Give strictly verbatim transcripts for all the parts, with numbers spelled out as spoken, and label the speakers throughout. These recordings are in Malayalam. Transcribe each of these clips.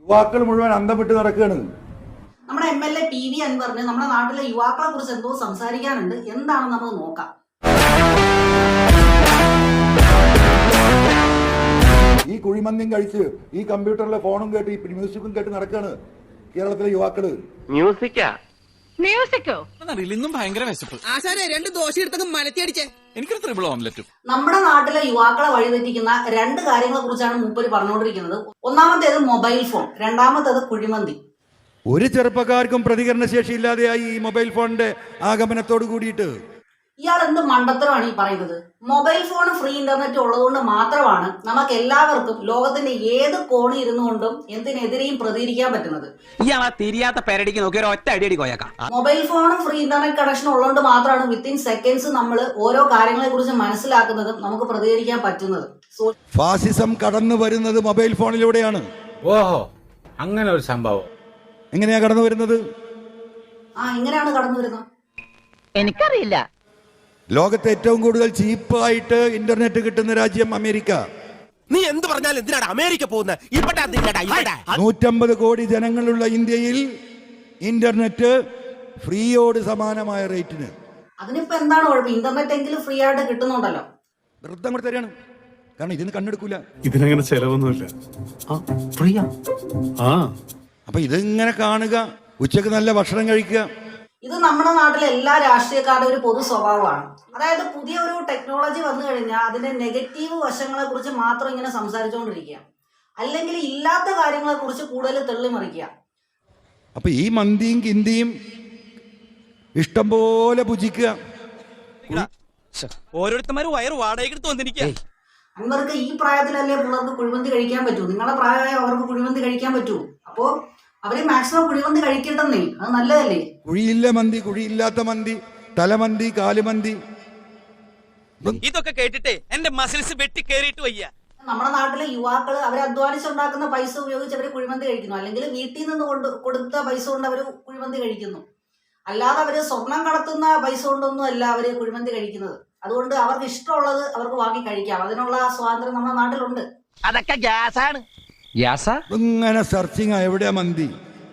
Speaker 1: യുവാക്കൾ മുഴുവൻ അന്തം വിട്ട് നടക്കുകയാണ്.
Speaker 2: നമ്മുടെ M L A P V അൻവറിന് നമ്മുടെ നാട്ടിലെ യുവാക്കളെ കുറിച്ച് എന്തോ സംസാരിക്കാനുണ്ട്. എന്താണ് നമുക്ക് നോക്കാം.
Speaker 1: ഈ കുഴിമന്തിയും കഴിച്ച് ഈ കമ്പ്യൂട്ടറിലെ ഫോണും കേട്ട് ഈ മ്യൂസിക്കും കേട്ട് നടക്കുകയാണ് കേരളത്തിലെ യുവാക്കള്.
Speaker 3: മ്യൂസിക്കാ
Speaker 4: മ്യൂസിക്കോ?
Speaker 5: ഇന്നും ഭയങ്കര വിശപ്പ്.
Speaker 6: ആശാനെ രണ്ട് ദോശ എടുത്തൊക്കെ മലത്തി അടിച്ചേ.
Speaker 5: എനിക്കൊരു ത്രിബിൾ ഓംലെറ്റും.
Speaker 2: നമ്മുടെ നാട്ടിലെ യുവാക്കളെ വഴിതെറ്റിക്കുന്ന രണ്ട് കാര്യങ്ങളെ കുറിച്ചാണ് മൂപ്പര് പറഞ്ഞുകൊണ്ടിരിക്കുന്നത്. ഒന്നാമത്തേത് മൊബൈൽ ഫോൺ, രണ്ടാമത്തേത് കുഴിമന്തി.
Speaker 1: ഒരു ചെറുപ്പക്കാർക്കും പ്രതികരണശേഷി ഇല്ലാതെയായി ഈ മൊബൈൽ ഫോണിന്റെ ആഗമനത്തോട് കൂടിയിട്ട്.
Speaker 2: ഇയാൾ എന്ത് മണ്ടത്തരമാണ് ഈ പറയുന്നത്? മൊബൈൽ ഫോൺ ഫ്രീ ഇന്റർനെറ്റ് ഉള്ളതുകൊണ്ട് മാത്രമാണ് നമുക്ക് എല്ലാവർക്കും ലോകത്തിന്റെ ഏത് കോണി ഇരുന്നുകൊണ്ടും എന്തിനെതിരെയും പ്രതികരിക്കാൻ പറ്റുന്നത്.
Speaker 6: ഇയാളാ തിരിയാത്ത പേരടിക്ക് നോക്കി ഒരു ഒറ്റ അടിയടി കോയക്കാം.
Speaker 2: മൊബൈൽ ഫോണും ഫ്രീ ഇന്റർനെറ്റ് കണക്ഷൻ ഉള്ളതുകൊണ്ട് മാത്രമാണ് വിത്തിൻ സെക്കൻഡ്സ് നമ്മൾ ഓരോ കാര്യങ്ങളെ കുറിച്ച് മനസ്സിലാക്കുന്നതും നമുക്ക് പ്രതികരിക്കാൻ പറ്റുന്നത്.
Speaker 1: ഫാസിസം കടന്നു വരുന്നത് മൊബൈൽ ഫോണിലൂടെയാണ്.
Speaker 7: ഓഹോ, അങ്ങനെ ഒരു സംഭവം
Speaker 1: എങ്ങനെയാ കടന്നു വരുന്നത്?
Speaker 2: ആ ഇങ്ങനെയാണ് കടന്നു വരുന്നത്.
Speaker 4: എനിക്കറിയില്ല.
Speaker 1: ലോകത്തെ ഏറ്റവും കൂടുതൽ ചീപ്പായിട്ട് ഇന്റർനെറ്റ് കിട്ടുന്ന രാജ്യം അമേരിക്ക.
Speaker 8: നീ എന്ത് പറഞ്ഞാലും എന്തിനാണ് അമേരിക്ക പോകുന്നത്?
Speaker 1: നൂറ്റമ്പത് കോടി ജനങ്ങളുള്ള ഇന്ത്യയിൽ ഇന്റർനെറ്റ് ഫ്രീയോട് സമാനമായ റേറ്റിന്.
Speaker 2: അതിനിപ്പോ എന്താണ് കുഴപ്പം? ഇന്റർനെറ്റ് എങ്കിലും ഫ്രീ ആയിട്ട് കിട്ടുന്നുണ്ടല്ലോ.
Speaker 1: വൃത്തം കൂടെ തരാണ്, കാരണം ഇതിന് കണ്ണെടുക്കൂല.
Speaker 9: ഇതിനങ്ങനെ ചെലവൊന്നുമില്ല. ആ
Speaker 1: അപ്പൊ ഇതിങ്ങനെ കാണുക, ഉച്ചക്ക് നല്ല ഭക്ഷണം കഴിക്കുക.
Speaker 2: ഇത് നമ്മുടെ നാട്ടിലെ എല്ലാ രാഷ്ട്രീയക്കാരുടെ ഒരു പൊതു സ്വഭാവമാണ്. അതായത് പുതിയ ഒരു ടെക്നോളജി വന്നു കഴിഞ്ഞാൽ അതിന്റെ നെഗറ്റീവ് വശങ്ങളെ കുറിച്ച് മാത്രം ഇങ്ങനെ സംസാരിച്ചുകൊണ്ടിരിക്കുക, അല്ലെങ്കിൽ ഇല്ലാത്ത കാര്യങ്ങളെ കുറിച്ച് കൂടുതൽ തെള്ളിമറിക്കുക.
Speaker 1: അപ്പൊ ഈ മന്തിയും കിന്തിയും ഇഷ്ടം പോലെ ഭുജിക്കുക.
Speaker 6: ഓരോരുത്തന്മാരും വയറ് വാടകയ്ക്ക് വന്നിരിക്കുക.
Speaker 2: അൻവർക്ക് ഈ പ്രായത്തിലല്ലേ പിള്ളേർക്ക് കുഴിമന്തി കഴിക്കാൻ പറ്റൂ? നിങ്ങളുടെ പ്രായമായ അവർക്ക് കുഴിമന്തി കഴിക്കാൻ പറ്റൂ? അപ്പോ അവര് മാക്സിമം കുഴിമന്തി കഴിക്കട്ടെന്നേ, അത് നല്ലതല്ലേ?
Speaker 1: കുഴിയില്ല മന്തി, കുഴിയില്ലാത്ത മന്തി, തലമന്തി, കാലുമന്തി.
Speaker 6: ഇതൊക്കെ കേട്ടിട്ടേ എന്റെ മസിൽസ് വെട്ടി കേറിയിട്ട് വയ്യ.
Speaker 2: നമ്മുടെ നാട്ടിലെ യുവാക്കള് അവർ അധ്വാനിച്ചുണ്ടാക്കുന്ന പൈസ ഉപയോഗിച്ച് അവര് കുഴിമന്തി കഴിക്കുന്നു, അല്ലെങ്കിൽ വീട്ടിൽ നിന്ന് കൊണ്ട് കൊടുത്ത പൈസ കൊണ്ട് അവര് കുഴിമന്തി കഴിക്കുന്നു. അല്ലാതെ അവര് സ്വർണം കടത്തുന്ന പൈസ കൊണ്ടൊന്നും അല്ല അവര് കുഴിമന്തി കഴിക്കുന്നത്. അതുകൊണ്ട് അവർക്ക് ഇഷ്ടമുള്ളത് അവർക്ക് വാങ്ങി കഴിക്കാം. അതിനുള്ള സ്വാതന്ത്ര്യം നമ്മുടെ നാട്ടിലുണ്ട്.
Speaker 6: അതൊക്കെ ഗ്യാസാണ്. ഗ്യാസാ?
Speaker 1: ഇങ്ങനെ സെർച്ചിങ് എവിടെയാ മന്തി?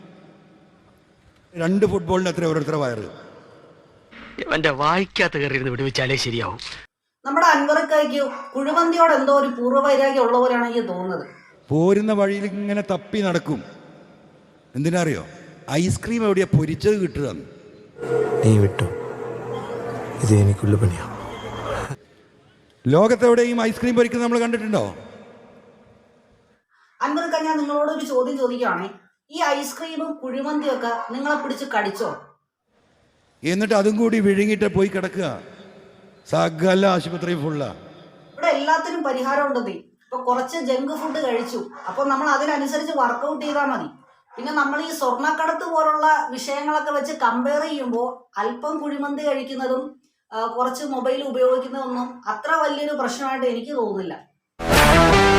Speaker 1: രണ്ട് ഫുട്ബോളിന് എത്ര ഓരോരുത്തര വയറ്?
Speaker 3: എന്റെ വായിക്കാത്ത കയറിയിരുന്ന് വിടുവിച്ചാലേ ശരിയാവും.
Speaker 2: നമ്മുടെ അൻവർക്ക് കുഴിമന്തിയോട് എന്തോ ഒരു പൂർവ്വവൈരാഗ്യം ഉള്ള പോലെയാണ് എനിക്ക് തോന്നുന്നത്.
Speaker 1: പോരുന്ന വഴിയിൽ ഇങ്ങനെ തപ്പി നടക്കും. എന്തിനറിയോ? ഐസ്ക്രീം എവിടെയാ പൊരിച്ചത് കിട്ടുക.
Speaker 8: നീ വിട്ടു, ഇത് എനിക്കുള്ള പണിയാ.
Speaker 1: ലോകത്തെവിടെയും ഐസ്ക്രീം പൊരിക്കുന്നത് നമ്മൾ കണ്ടിട്ടുണ്ടോ?
Speaker 2: അൻവർക്ക്, ഞാൻ നിങ്ങളോട് ഒരു ചോദ്യം ചോദിക്കുകയാണെ, ഈ ഐസ്ക്രീമും കുഴിമന്തിയും ഒക്കെ നിങ്ങളെ പിടിച്ച് കടിച്ചോ?
Speaker 1: എന്നിട്ട് അതും കൂടി വിഴുങ്ങിട്ട് പോയി കിടക്കുക. സകല ആശുപത്രി ഫുള്ള.
Speaker 2: ഇവിടെ എല്ലാത്തിനും പരിഹാരം ഉണ്ടെന്നേ. ഇപ്പൊ കുറച്ച് ജങ്ക് ഫുഡ് കഴിച്ചു, അപ്പൊ നമ്മൾ അതിനനുസരിച്ച് വർക്കൗട്ട് ചെയ്താൽ മതി. പിന്നെ നമ്മൾ ഈ സ്വർണ്ണക്കടത്ത് പോലുള്ള വിഷയങ്ങളൊക്കെ വെച്ച് കമ്പയർ ചെയ്യുമ്പോൾ അല്പം കുഴിമന്തി കഴിക്കുന്നതും കുറച്ച് മൊബൈൽ ഉപയോഗിക്കുന്നതൊന്നും അത്ര വലിയൊരു പ്രശ്നമായിട്ട് എനിക്ക് തോന്നുന്നില്ല.